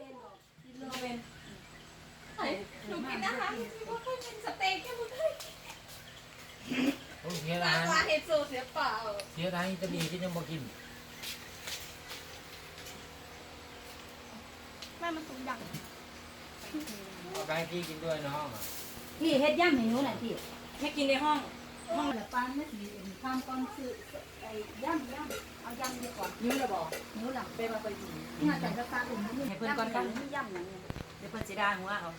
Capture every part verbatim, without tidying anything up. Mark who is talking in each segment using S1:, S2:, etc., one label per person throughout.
S1: เป็นหนูกินอาหารที่ว่าเคยเป็นสเต็กแค่บุ้ย
S2: เสีย
S1: มา
S2: ดาย
S1: ว่าเห็ดโซเสียเปล่า
S2: เสียดายจะมีกินยังบ่กิน
S1: แม่มันสูงอย่าง
S2: เอาไปให้พี่กินด้วยน้อง
S3: พี่เฮ็ดย่ำให้หนูหน่อยพี่
S1: ไม่กินในห้อง
S3: ห้องละปานนาทีทำก่อนซื้อไอ้ย่ำย่ำเอาย่ำดีก่อน
S1: ยิ้มเลยบอก
S3: หนูหลัง
S1: เป็นมาไปดี
S3: งานแต่งกระตาอุ่นนี่ให้เพิ่นก่อนกันย่ำอย่างนี้
S1: เดี๋ยวเปิดสีดาหัวเอา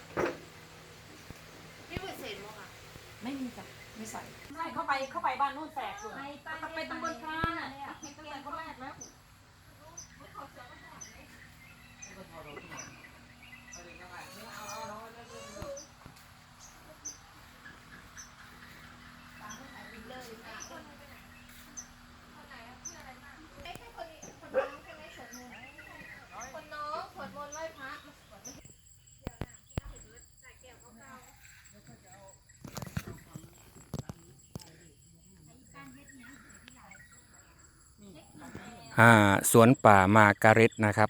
S1: พี่เปิดเสร็จมั้งอ่ะไม่มีจ้ะไม่ใส่ใช่เข้าไปเข้าไปบ้านนู่นแสกอยู่ไปตำบลพรานอ่ะตั้งแต่คนแรกแล้ว คนน้องสวดมนต์ไหว้พระ
S4: อ่าสวนป่ามาการ็ตนะครับ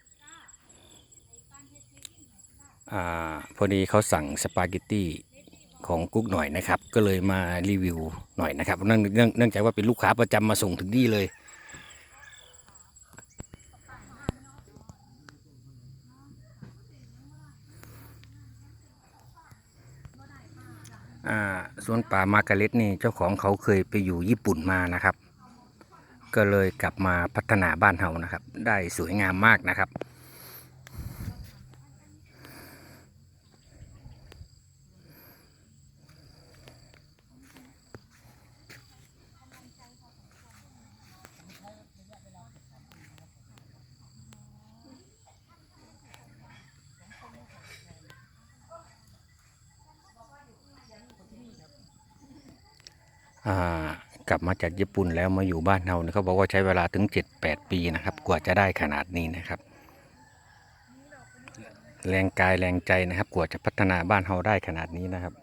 S4: อ่าพอดีเขาสั่งสปาเกตตี้ของกุ๊กหน่อยนะครับก็เลยมารีวิวหน่อยนะครับเนื่องเนื่องเนื่องจากว่าเป็นลูกค้าประจำมาส่งถึงที่เลยอ่าสวนป่ามาการ็ตนี่เจ้าของเขาเคยไปอยู่ญี่ปุ่นมานะครับก็เลยกลับมาพัฒนาบ้านเฮานะครับได้สวยงามมากนะครับอ่ากลับมาจากญี่ปุ่นแล้วมาอยู่บ้านเราเนี่ยเขาบอกว่าใช้เวลาถึง เจ็ดแปด ปีนะครับกว่าจะได้ขนาดนี้นะครับแรงกายแรงใจนะครับกว่าจะพัฒนาบ้านเราได้ขนาดนี้นะครับ